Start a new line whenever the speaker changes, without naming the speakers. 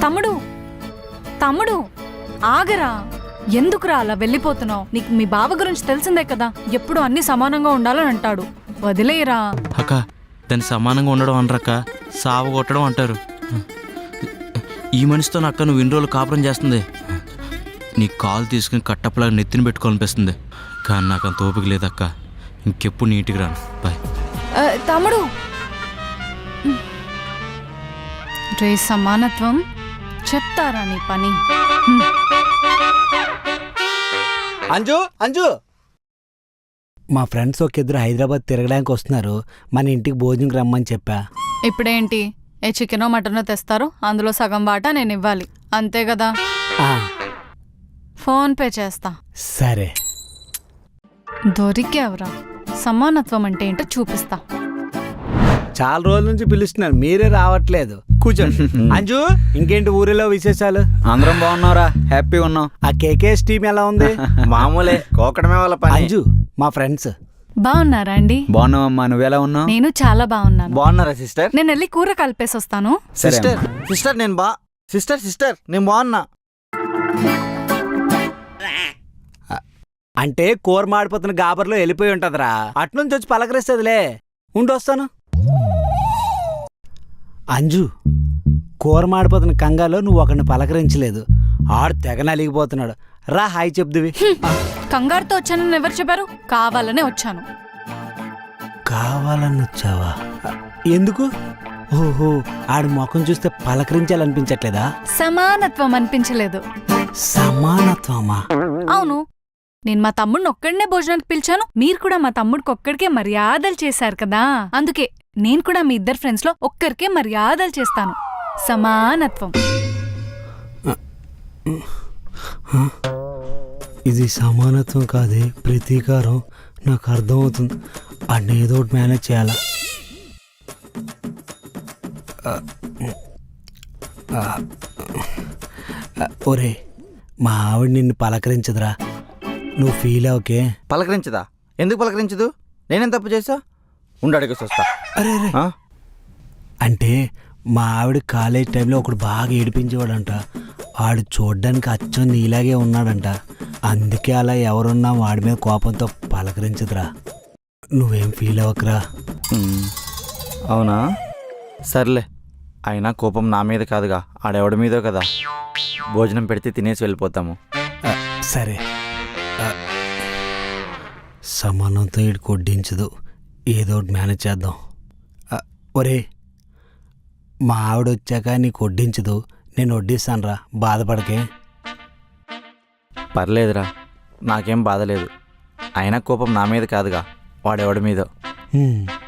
తమ్ముడు తమ్ముడు ఆగరా, ఎందుకురా అలా వెళ్ళిపోతున్నావు? నీకు మీ బావ గురించి తెలిసిందే కదా, ఎప్పుడు అన్ని సమానంగా ఉండాలని అంటాడు. వదిలేయరా.
అక్క, దాన్ని సమానంగా ఉండడం అనరక్క, సావ కొట్టడం అంటారు. ఈ మనిషితో అక్క నువ్వు ఇన్ని రోజులు కాపురం చేస్తుంది. నీ కాలు తీసుకుని కట్టప్పలాగా నెత్తిని పెట్టుకోవాలనిపిస్తుంది, కానీ నాకు అంత ఓపిక లేదక్క. ఇంకెప్పుడు నీటికి రాను. బాయ్.
తమ్ముడు, రే సమానత్వం చెప్తారా నీ పని?
అంజు అంజు,
మా ఫ్రెండ్స్ ఒక ఇద్దరు హైదరాబాద్ తిరగడానికి వస్తున్నారు, మన ఇంటికి భోజనంకి రమ్మని చెప్పా.
ఇప్పుడేంటి, ఏ చికెనో మటనో తెస్తారు, అందులో సగం వాటా నేను ఇవ్వాలి, అంతే కదా? ఫోన్ పే చేస్తా.
సరే.
దొరికేవరా, సమానత్వం అంటే ఏంటో చూపిస్తా.
చాలా రోజుల నుంచి పిలుస్తున్నారు, మీరే రావట్లేదు. కూర్చోండి. అంజు, ఇంకేంటి ఊరిలో విశేషాలు?
అందరం బాగున్నారా? హ్యాపీగా ఉన్నాం.
ఆ కేకేఎస్ టీం ఎలా ఉంది?
మామూలే, కోకడమే వాళ్ళ పని.
అంజు మా ఫ్రెండ్స్.
బాగున్నారా అండి?
బాగున్నావమ్మా, నువ్వెలా ఉన్నావు?
నేను చాలా బాగున్నాను.
బాగున్నారా సిస్టర్?
నేను వెళ్ళి కూర కలిపేసి వస్తాను.
సిస్టర్ సిస్టర్ నేను సిస్టర్ నేను బాగున్నా.
అంటే కూర మాడిపోతున్న గాబర్లో వెళ్ళిపోయి ఉంటదిరా, అట్నుంచి వచ్చి పలకరిస్తుందిలే. ఉండొస్తాను. అంజు, కూర మాడిపోతున్న కంగాలో నువ్వు ఒకరిని పలకరించలేదు, ఆడు తెగ నలిగిపోతున్నాడు. రా హాయ్ చెప్దువి.
కంగారుతో వచ్చానని ఎవరు చెప్పారు? కావాలనే వచ్చాను.
కావాలని వచ్చావా? ఎందుకు? ఓహో, ఆడి ముఖం చూస్తే పలకరించాలనిపించట్లేదా?
సమానత్వం అనిపించలేదు.
సమానత్వమా?
అవును, నేను మా తమ్ముడిని ఒక్కడినే భోజనానికి పిలిచాను, మీరు కూడా మా తమ్ముడికి ఒక్కడికే మర్యాదలు చేశారు కదా, అందుకే నేను కూడా మీ ఇద్దరు ఫ్రెండ్స్ లో ఒక్కరికే మర్యాదలు చేస్తాను. సమానత్వం.
ఇది సమానత్వం కాదే, ప్రతీకారం. నాకు అర్థమవుతుంది, అన్నీ ఏదో ఒకటి మేనేజ్ చేయాలా. ఒరే, మా ఆవిడ నిన్ను పలకరించదురా, నువ్వు ఫీల్ అవకే.
పలకరించదా? ఎందుకు పలకరించదు? నేనేం తప్పు చేసా? ఉండడికి వస్తా.
అరే అరే, అంటే మా ఆవిడ కాలేజ్ టైంలో ఒకడు బాగా ఏడిపించేవాడంట, వాడు చూడ్డానికి అచ్చం నీలాగే ఉన్నాడంట, అందుకే అలా ఎవరున్నా వాడి మీద కోపంతో పలకరించదురా. నువ్వేం ఫీల్ అవ్వకరా.
అవునా? సర్లే, అయినా కోపం నా మీద కాదుగా, ఆడెవడి మీదో కదా. భోజనం పెడితే తినేసి వెళ్ళిపోతాము.
సరే. సమానంతో ఇటు కొడ్డించదు, ఏదో ఒకటి మేనేజ్ చేద్దాం. ఒరే, మా ఆవిడ వచ్చాక నీకు వడ్డించదు, నేను వడ్డిస్తాను రా, బాధపడకే.
పర్లేదురా, నాకేం బాధ లేదు. అయినా కోపం నా మీద కాదుగా, వాడెవడి మీదో.